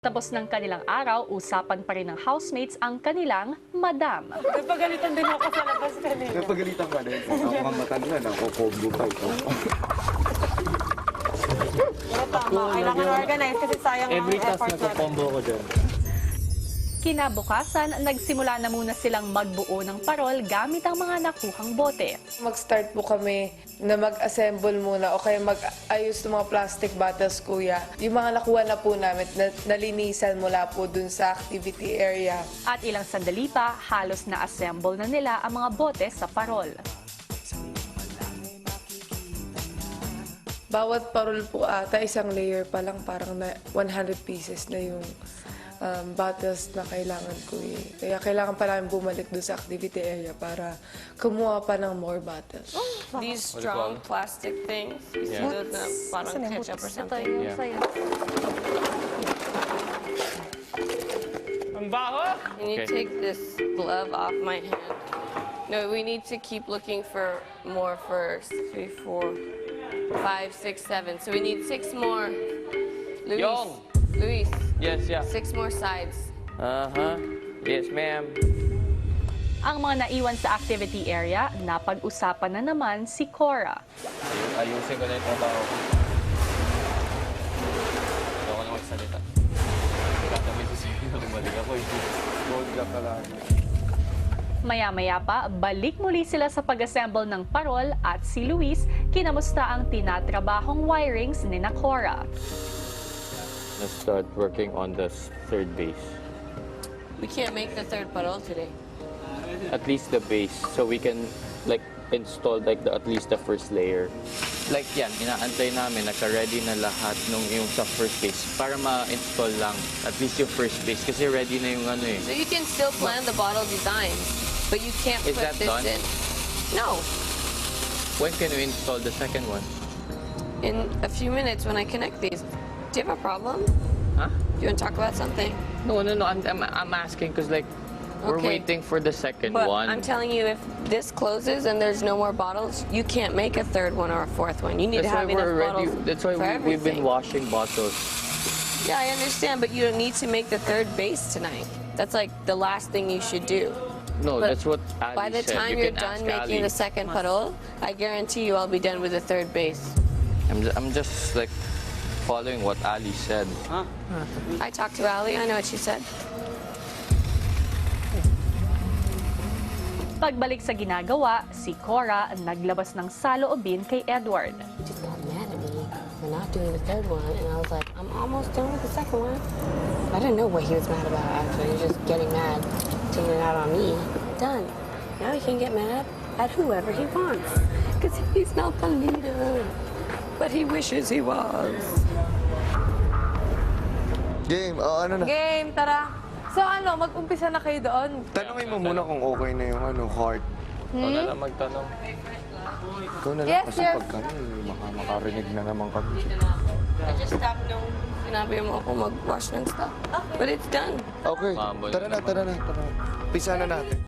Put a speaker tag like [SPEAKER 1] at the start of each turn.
[SPEAKER 1] Tapos ng kanilang araw, usapan pa rin ng housemates ang kanilang madam.
[SPEAKER 2] Napagalitan din ako sa labas kanina.
[SPEAKER 3] Napagalitan ka din. Ako mga matanda, combo pa ito.
[SPEAKER 2] Pero tama, kailangan organize kasi sayang ang
[SPEAKER 4] Every task
[SPEAKER 2] effort natin.
[SPEAKER 4] nagko-combo ko dyan.
[SPEAKER 1] Kinabukasan, nagsimula na muna silang magbuo ng parol gamit ang mga nakuhang bote.
[SPEAKER 5] Mag-start po kami na mag-assemble muna o kaya mag-ayos ng mga plastic bottles, kuya. Yung mga nakuha na po namin, nalinisan mula po dun sa activity area.
[SPEAKER 1] At ilang sandali pa, halos na-assemble na nila ang mga bote sa parol.
[SPEAKER 5] Bawat parol po ata, isang layer pa lang, parang na 100 pieces na yung bottles na kailangan ko eh. Kaya kailangan pa namin bumalik doon sa activity area para kumuha pa ng more bottles.
[SPEAKER 6] These strong plastic things, you see those na parang ketchup or something.
[SPEAKER 4] Ang baho!
[SPEAKER 6] And you take this glove off my hand. No, we need to keep looking for more first. 3, 4, 5, 6, 7. So we need 6 more. Luis.
[SPEAKER 4] Yong.
[SPEAKER 6] Luis.
[SPEAKER 4] Yes, yeah.
[SPEAKER 6] 6 more sides.
[SPEAKER 4] Yes, ma'am.
[SPEAKER 1] Ang mga naiwan sa activity area, napag-usapan na naman si Cora.
[SPEAKER 4] Ayusin ko na yung trabaho ko. Hindi ako na magsalita. Tatabi ko sa'yo na bumalik ako.
[SPEAKER 3] Gold ka pala.
[SPEAKER 1] Maya-maya pa, balik muli sila sa pag-assemble ng parol at si Luis kinamusta ang tinatrabahong wirings ni Cora.
[SPEAKER 4] Let's start working on the third base.
[SPEAKER 6] We can't make the third parol today.
[SPEAKER 4] At least the base, so we can like install like at least the first layer. Like yan, inaantay namin, naka-ready na lahat nung yung sa first base para ma-install lang at least yung first base kasi ready na yung ano eh.
[SPEAKER 6] So you can still plan the bottle design, but you can't
[SPEAKER 4] Is
[SPEAKER 6] put
[SPEAKER 4] that
[SPEAKER 6] this
[SPEAKER 4] done?
[SPEAKER 6] in. No.
[SPEAKER 4] When can we install the second one?
[SPEAKER 6] In a few minutes when I connect these. Do you have a problem?
[SPEAKER 4] Huh?
[SPEAKER 6] You want to talk about something?
[SPEAKER 4] No. I'm asking because like we're
[SPEAKER 6] Okay.
[SPEAKER 4] waiting for the second
[SPEAKER 6] But
[SPEAKER 4] one.
[SPEAKER 6] I'm telling you, if this closes and there's no more bottles, you can't make a third one or a fourth one. You need
[SPEAKER 4] That's
[SPEAKER 6] to
[SPEAKER 4] why
[SPEAKER 6] have enough
[SPEAKER 4] we're
[SPEAKER 6] bottles
[SPEAKER 4] ready. That's why
[SPEAKER 6] for
[SPEAKER 4] we've been
[SPEAKER 6] everything.
[SPEAKER 4] washing bottles.
[SPEAKER 6] Yeah, I understand, but you don't need to make the third base tonight. That's like the last thing you should do.
[SPEAKER 4] No,
[SPEAKER 6] But
[SPEAKER 4] that's what Ali
[SPEAKER 6] By the
[SPEAKER 4] said.
[SPEAKER 6] time
[SPEAKER 4] You
[SPEAKER 6] you're
[SPEAKER 4] can
[SPEAKER 6] done
[SPEAKER 4] ask
[SPEAKER 6] making
[SPEAKER 4] Ali.
[SPEAKER 6] the second puddle, I guarantee you I'll be done with the third base.
[SPEAKER 4] I'm just like following what Ali said.
[SPEAKER 6] I talked to Ali, I know what she said.
[SPEAKER 1] Pagbalik sa ginagawa, si Cora naglabas ng saloobin kay Edward.
[SPEAKER 6] He just got mad at me for not doing the third one, and I was like, I'm almost done with the second one. I didn't know what he was mad about, actually. He was just getting mad, taking it out on me. Done. Now he can get mad at whoever he wants, because he's not the leader. But he wishes he was.
[SPEAKER 3] Game, ano na?
[SPEAKER 5] Game, tara! So ano, mag-umpisa na kayo doon?
[SPEAKER 3] Tanungin mo muna kung okay na yung heart.
[SPEAKER 4] Ikaw na lang magtanong.
[SPEAKER 3] Ikaw na lang
[SPEAKER 5] Yes,
[SPEAKER 3] kasi
[SPEAKER 5] yes.
[SPEAKER 3] pag kami, makarinig na naman kami.
[SPEAKER 6] I just stopped nung sinabi mo ako mag-wash ng stuff. But it's done.
[SPEAKER 3] Okay,
[SPEAKER 4] Mabol
[SPEAKER 3] tara na. Pisa na natin.